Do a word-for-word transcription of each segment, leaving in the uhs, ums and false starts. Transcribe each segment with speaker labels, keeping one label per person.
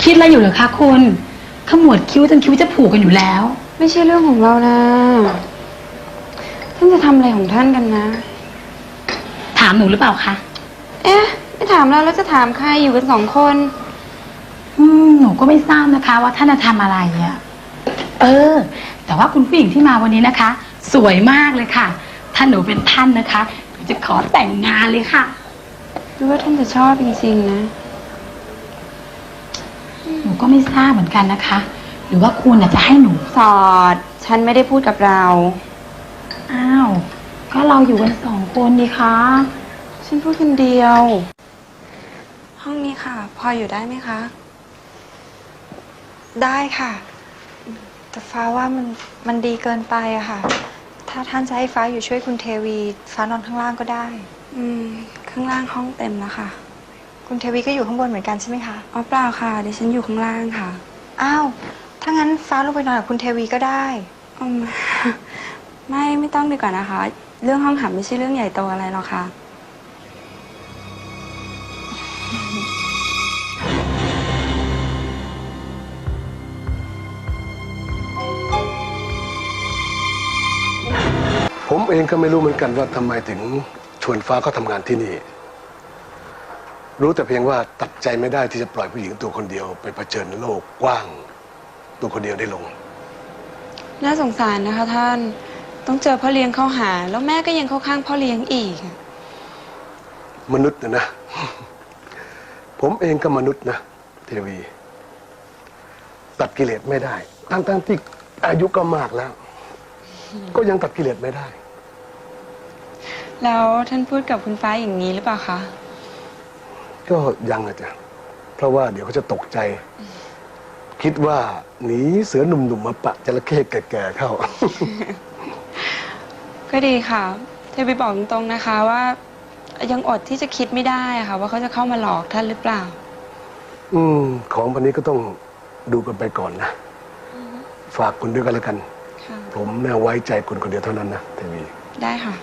Speaker 1: คิดอะไรอยู่เหรอคะคุณขมวดคิ้วจนคิ้วจะผูกกันอยู่แล้ว
Speaker 2: ไม่ใช่เรื่องของเรานะท่านจะทำอะไรของท่านกันนะ
Speaker 1: ถามหนูหรือเปล่าคะ
Speaker 2: เอ๊ะไม่ถามเราแล้วจะถามใครอยู่กันสองคน
Speaker 1: อืมหนูก็ไม่ทราบนะคะว่าท่านจะทำอะไรอะเออแต่ว่าคุณผู้หญิงที่มาวันนี้นะคะ สวยมากเลยค่ะถ้าหนูเป็นท่านนะคะหนูจะขอแต่งงานเลยค่ะ
Speaker 2: หรือว่าท่านจะชอบจริงๆนะ
Speaker 1: หนูก็ไม่ทราบเหมือนกันนะคะ หรือว่าคุณจะให้หนู
Speaker 2: สอดฉันไม่ได้พูดกับเรา
Speaker 1: อ้าวก็เราอยู่กันสองคนดีคะ
Speaker 2: ฉันพูดคนเดียวห้องนี้ค่ะพออยู่ได้ไหมคะ
Speaker 3: ได้ค่ะแต่ฟ้าว่ามันมันดีเกินไปอะค่ะถ้าท่านจะให้ฟ้าอยู่ช่วยคุณเทวีฟ้านอนข้างล่างก็ได้
Speaker 2: อืมข้างล่างห้องเต็มแล้วค่ะ
Speaker 3: คุณเทวีก็อยู่ข้างบนเหมือนกันใช่ไหมคะ
Speaker 2: อ๋อเปล่าค่ะดิฉันอยู่ข้างล่างค่ะ
Speaker 3: อ้าวถ้างั้นฟ้าลงไปนอนกับคุณเทวีก็ได้
Speaker 2: อืมไม่ไม่ต้องดีกว่านะคะเรื่องห้องหับไม่ใช่เรื่องใหญ่โตอะไรหรอกค่ะ
Speaker 4: ผมเองก็ไม่รู้เหมือนกันว่าทำไมถึงชวนฟ้าเขาทำงานที่นี่รู้แต่เพียงว่าตัดใจไม่ได้ที่จะปล่อยผู้หญิงตัวคนเดียวไปเผชิญโลกกว้างตัวคนเดียวได้ลง
Speaker 2: น่าสงสารนะคะท่านต้องเจอพ่อเลี้ยงเข้าหาแล้วแม่ก็ยังเข้าข้างพ่อเลี้ยงอีก
Speaker 4: มนุษย์นะนะผมเองก็มนุษย์นะเทวีตัดกิเลสไม่ได้ทั้งๆที่อายุก็มากแล้วก็ยังตัดกิเลสไม่ได้
Speaker 2: แล้วท่านพูดกับคุณฟ้าอย่างนี้หรือเปล่าคะ
Speaker 4: ก็ยังอะจ้ะเพราะว่าเดี๋ยวเขาจะตกใจคิดว่าหนีเสือหนุ่มๆมาปะจระเข้แก่ๆเข้า
Speaker 2: ก็ดีค่ะเทวีบอกตรงๆนะคะว่ายังอดที่จะคิดไม่ได้ค่ะว่าเขาจะเข้ามาหลอกท่านหรือเปล่า
Speaker 4: อืมของวันนี้ก็ต้องดูกันไปก่อนนะฝากคุณด้วยกันแล้วกันผมแน่ไว้ใจคุณคนเดียวเท่านั้นนะเทวี
Speaker 2: ได้ค่ะ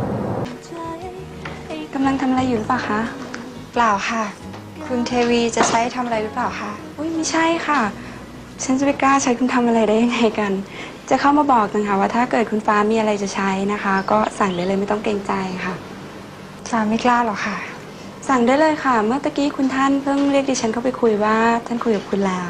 Speaker 2: กำลังทำอะไรอยู่หรือเปล่าคะ
Speaker 3: เปล่าค่ะคุณเทวีจะใช้ทำอะไรหรือเปล่าคะ
Speaker 2: อุ้ยไม่ใช่ค่ะฉันจะไปกล้าใช้คุณทำอะไรได้ยังไงกันจะเข้ามาบอกนะคะว่าถ้าเกิดคุณฟ้ามีอะไรจะใช้นะคะ ก็สั่งได้เลยไม่ต้องเกรงใจค่ะ
Speaker 3: ฟ้าไม่กล้าหรอกค่ะ
Speaker 2: สั่งได้เลยค่ะเมื่อตะกี้คุณท่านเพิ่งเรียกดิฉันเข้าไปคุยว่าท่านคุยกับคุณแล้ว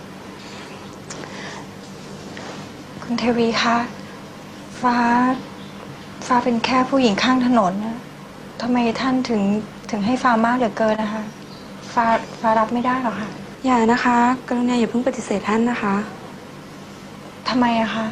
Speaker 3: คุณเทวีคะฟ้าฟ้าเป็นแค่ผู้หญิงข้างถนนนะทำไมท่านถึงถึงให้ฟ้ามากเหลือเกินนะคะฟ้าฟ้ารับไม่ได้หรอกค่ะ
Speaker 2: อย่านะคะกรุณาอย่าเพิ่งปฏิเสธท่านนะคะ
Speaker 3: ทำไมอะคะ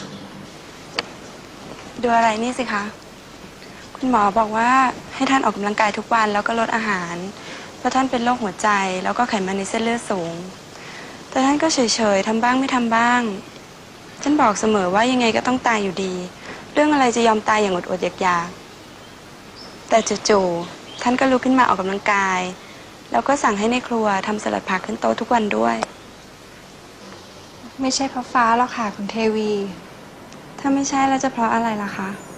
Speaker 2: ดูอะไรนี่สิคะคุณหมอบอกว่าให้ท่านออกกำลังกายทุกวันแล้วก็ลดอาหารเพราะท่านเป็นโรคหัวใจแล้วก็ไขมันในเส้นเลือดสูงแต่ท่านก็เฉยๆทำบ้างไม่ทำบ้างฉันบอกเสมอว่ายังไงก็ต้องตายอยู่ดีเรื่องอะไรจะยอมตายอย่างอดๆอยากๆแต่จู่ๆท่านก็ลุกขึ้นมาออกกำลังกายแล้วก็สั่งให้ในครัวทำสลัดผักขึ้นโต๊ะทุกวันด้วย
Speaker 3: ไม่ใช่เพราะฟ้าหรอกค่ะคุณเทวี
Speaker 2: ถ้าไม่ใช่แล้วจะเพราะอะไรล่ะคะ